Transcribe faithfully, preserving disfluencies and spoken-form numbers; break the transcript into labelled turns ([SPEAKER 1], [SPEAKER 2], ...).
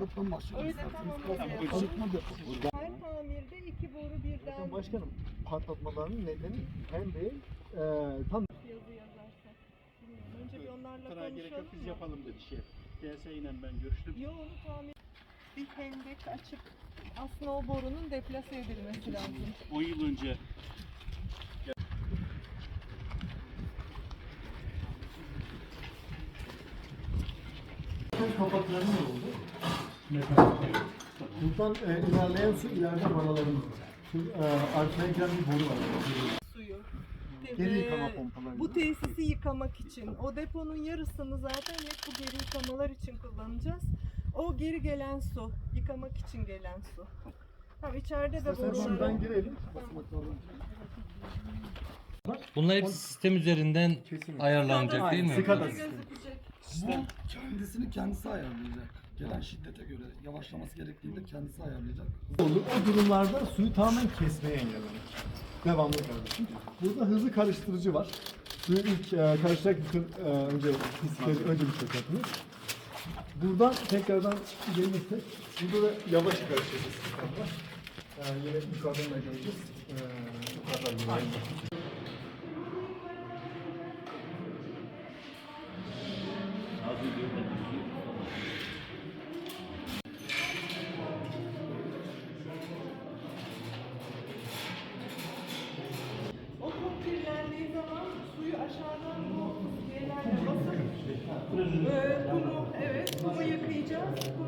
[SPEAKER 1] patlatmadan başlıyoruz.
[SPEAKER 2] Öyle tamam. öyle
[SPEAKER 1] Patlatma
[SPEAKER 2] yapalım.
[SPEAKER 1] deposu.
[SPEAKER 2] Her tamirde iki boru birden
[SPEAKER 1] Bakın başkanım, patlatmaların nedeni hem de e, tam
[SPEAKER 2] yazı yazarsak. Bilmiyorum. Önce bir onlarla
[SPEAKER 3] Sana gerek yok,
[SPEAKER 2] konuşalım
[SPEAKER 3] biz
[SPEAKER 2] mı?
[SPEAKER 3] yapalım dedi şey. D S ile ben görüştüm.
[SPEAKER 2] Yo onu tamir bir hendek açıp aslında o borunun deplase edilmesi lazım.
[SPEAKER 3] on yıl önce
[SPEAKER 1] kapaklarımız oldu. Buradan e, ilerleyen su ileride vanalarımız var. Şimdi e, arkaya giden bir boru var.
[SPEAKER 2] Suyu.
[SPEAKER 1] Geri
[SPEAKER 2] Ee,
[SPEAKER 1] yıkama pompaları.
[SPEAKER 2] Bu tesisi yıkamak için. O deponun yarısını zaten hep bu geri yıkamalar için kullanacağız. O geri gelen su, yıkamak için gelen su. Tamam içeride de
[SPEAKER 1] İstersen
[SPEAKER 2] boruları.
[SPEAKER 1] şuradan girelim. Basamaklardan.
[SPEAKER 4] Bunlar hepsi sistem üzerinden
[SPEAKER 1] Kesinlikle.
[SPEAKER 4] ayarlanacak değil mi?
[SPEAKER 1] Sikada
[SPEAKER 2] Böyle
[SPEAKER 1] sistemi.
[SPEAKER 2] gözükecek.
[SPEAKER 5] Bu kendisini kendisi ayarlayacak. Gelen şiddete göre yavaşlaması gerektiğinde kendisi ayarlayacak.
[SPEAKER 1] Olur. O durumlarda suyu tamamen kesmeye engellemek. Devamlı kardeşim. Burada hızlı karıştırıcı var. Suyu ilk e, karıştırarak bütün e, önce pislikleri önce bir çökertiniz. Buradan tekrardan gelirsek, burada da yavaş karıştıracağız. E, yine yukarıdan da göreceğiz. E, yukarıdan da aynı.
[SPEAKER 2] O kum kirlendiği zaman suyu aşağıdan bu şeylerle basıp e, kumu, evet kumu yıkayacağız.